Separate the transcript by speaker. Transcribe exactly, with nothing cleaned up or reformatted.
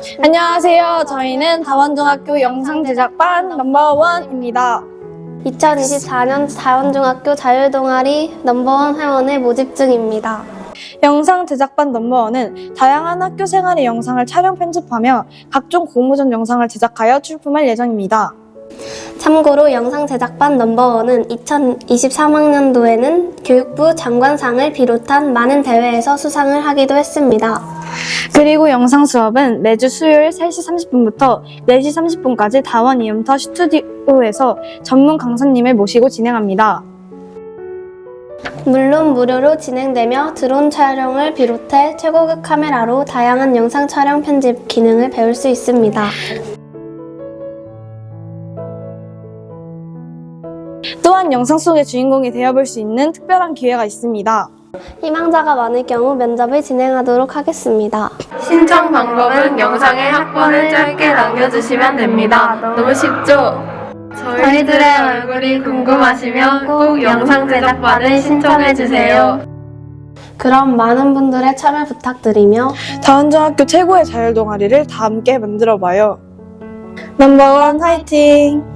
Speaker 1: 안녕하세요. 저희는 다원중학교 영상제작반 넘버원입니다.
Speaker 2: 이천이십사 년 다원중학교 자율동아리 넘버원 회원의 모집 중입니다.
Speaker 1: 영상제작반 넘버원은 다양한 학교 생활의 영상을 촬영 편집하며 각종 공모전 영상을 제작하여 출품할 예정입니다.
Speaker 2: 참고로 영상제작반 넘버원은 이천이십삼 학년도에는 교육부 장관상을 비롯한 많은 대회에서 수상을 하기도 했습니다.
Speaker 1: 그리고 영상 수업은 매주 수요일 세 시 삼십 분부터 네 시 삼십 분까지 다원 이음터 스튜디오에서 전문 강사님을 모시고 진행합니다.
Speaker 2: 물론 무료로 진행되며 드론 촬영을 비롯해 최고급 카메라로 다양한 영상 촬영 편집 기능을 배울 수 있습니다.
Speaker 1: 또한 영상 속의 주인공이 되어볼 수 있는 특별한 기회가 있습니다.
Speaker 2: 희망자가 많을 경우 면접을 진행하도록 하겠습니다.
Speaker 3: 신청 방법은 영상에 학번을 짧게 남겨주시면 됩니다. 너무 쉽죠? 저희들의 얼굴이 궁금하시면 꼭 영상 제작반을 신청해주세요.
Speaker 2: 그럼 많은 분들의 참여 부탁드리며
Speaker 1: 다원중학교 최고의 자율동아리를 다 함께 만들어봐요. 넘버원 화이팅!